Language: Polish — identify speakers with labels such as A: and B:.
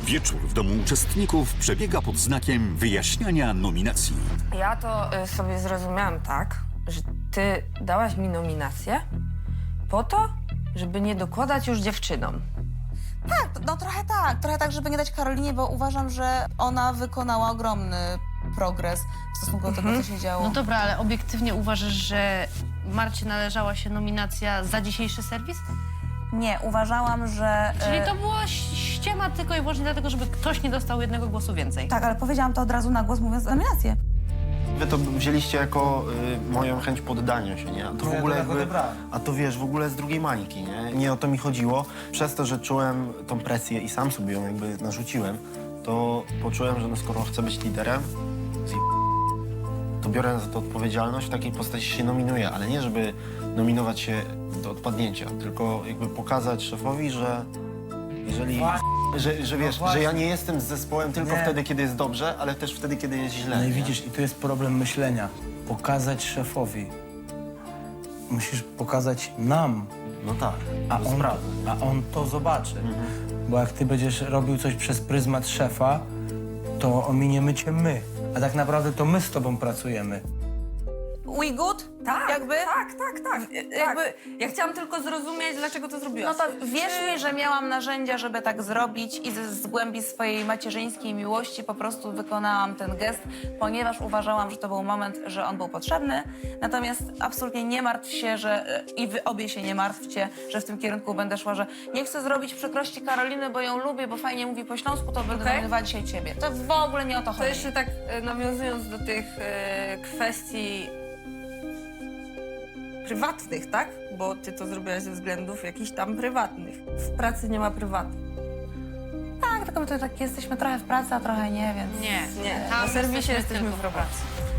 A: Wieczór w domu uczestników przebiega pod znakiem wyjaśniania nominacji.
B: Ja to sobie zrozumiałam tak, że ty dałaś mi nominację po to, żeby nie dokładać już dziewczynom.
C: Tak, no trochę tak, żeby nie dać Karolinie, bo uważam, że ona wykonała ogromny progres w stosunku do tego, co się działo.
D: No dobra, ale obiektywnie uważasz, że Marcie należała się nominacja za dzisiejszy serwis?
C: Nie, uważałam, że...
D: Czyli to była ściema tylko i wyłącznie dlatego, żeby ktoś nie dostał jednego głosu więcej.
C: Tak, ale powiedziałam to od razu na głos, mówiąc nominację.
E: Wy to wzięliście jako moją chęć poddania się, nie? A to w ogóle jakby, a to wiesz, w ogóle z drugiej mańki, nie? Nie o to mi chodziło. Przez to, że czułem tą presję i sam sobie ją jakby narzuciłem, to poczułem, że no skoro chcę być liderem, to biorę za to odpowiedzialność, w takiej postaci się nominuję, ale nie żeby nominować się do odpadnięcia, tylko jakby pokazać szefowi, że jeżeli... Że wiesz, że ja nie jestem z zespołem tylko wtedy, kiedy jest dobrze, ale też wtedy, kiedy jest źle.
F: No i
E: nie?
F: widzisz, i tu jest problem myślenia. Pokazać szefowi. Musisz pokazać nam,
E: No tak,
F: a
E: to
F: on,
E: prawda.
F: a on to zobaczy. Bo jak ty będziesz robił coś przez pryzmat szefa, to ominiemy cię my. A tak naprawdę to my z tobą pracujemy.
C: We good?
B: Tak,
C: Jakby?
B: tak. Jakby, ja chciałam tylko zrozumieć, dlaczego to
C: No
B: zrobiłaś.
C: to wierz mi, że miałam narzędzia, żeby tak zrobić i z głębi swojej macierzyńskiej miłości po prostu wykonałam ten gest, ponieważ uważałam, że to był moment, że on był potrzebny. Natomiast absolutnie nie martw się, że i wy obie się nie martwcie, że w tym kierunku będę szła, że nie chcę zrobić przykrości Karoliny, bo ją lubię, bo fajnie mówi po śląsku, to będę
B: Okej.
C: nominowała dzisiaj ciebie. To w ogóle nie o to
B: To
C: chodzi.
B: jeszcze tak nawiązując do tych kwestii prywatnych, tak? Bo ty to zrobiłaś ze względów jakichś tam prywatnych. W pracy nie ma prywatnych.
C: Tak, tylko my to tak jesteśmy trochę w pracy, a trochę nie, więc...
D: Nie.
B: Nie,
D: Tam
B: na serwisie
D: jesteśmy
B: jesteśmy
D: tylko
B: w
D: w pracy.
B: pracy.